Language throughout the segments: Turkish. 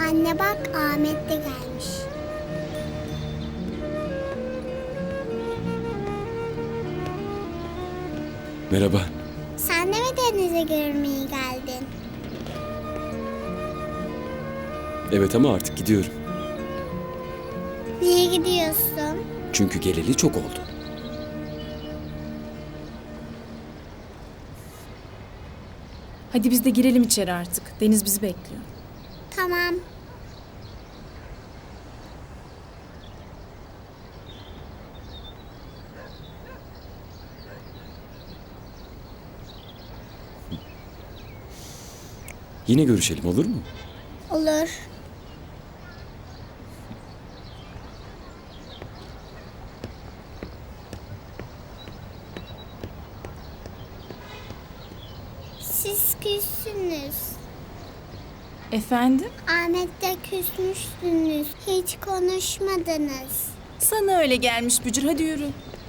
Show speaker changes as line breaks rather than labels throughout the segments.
Anne bak, Ahmet de gelmiş.
Merhaba.
Sen de mi denize görmeye geldin?
Evet ama artık gidiyorum.
Niye gidiyorsun?
Çünkü geleli çok oldu.
Hadi biz de girelim içeri artık. Deniz bizi bekliyor.
Tamam.
Yine görüşelim, olur mu?
Olur. Siz küssünüz.
Efendim?
Ahmet'le küsmüşsünüz. Hiç konuşmadınız.
Sana öyle gelmiş Bücür. Hadi yürü.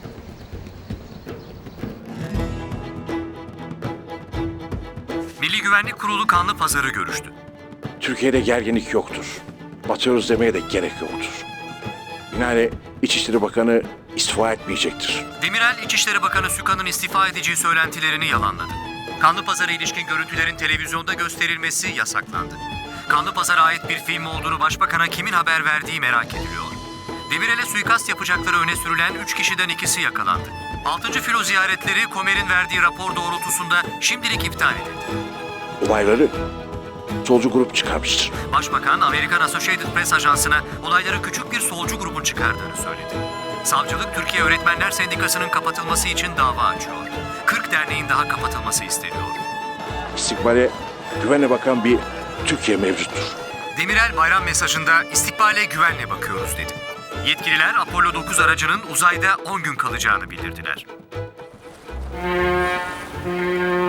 Milli Güvenlik Kurulu kanlı pazarı görüştü.
Türkiye'de gerginlik yoktur. Batıyoruz demeye de gerek yoktur. Binaenaleyh İçişleri Bakanı istifa etmeyecektir.
Demirel, İçişleri Bakanı Sükan'ın istifa edeceği söylentilerini yalanladı. Kanlı pazara ilişkin görüntülerin televizyonda gösterilmesi yasaklandı. Kanlı pazara ait bir film olduğunu başbakana kimin haber verdiği merak ediliyor. Demirel'e suikast yapacakları öne sürülen 3 kişiden ikisi yakalandı. 6. filo ziyaretleri Komer'in verdiği rapor doğrultusunda şimdilik iptal edildi.
Olayları solcu grup çıkarmıştır.
Başbakan, Amerikan Associated Press ajansına olayları küçük bir solcu grubun çıkardığını söyledi. Savcılık, Türkiye Öğretmenler Sendikası'nın kapatılması için dava açıyor. 40 derneğin daha kapatılması isteniyor.
İstikbale güvenle bakan bir Türkiye mevcuttur.
Demirel bayram mesajında istikbale güvenle bakıyoruz dedi. Yetkililer Apollo 9 aracının uzayda 10 gün kalacağını bildirdiler.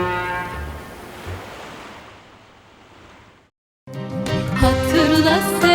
Hatırla sen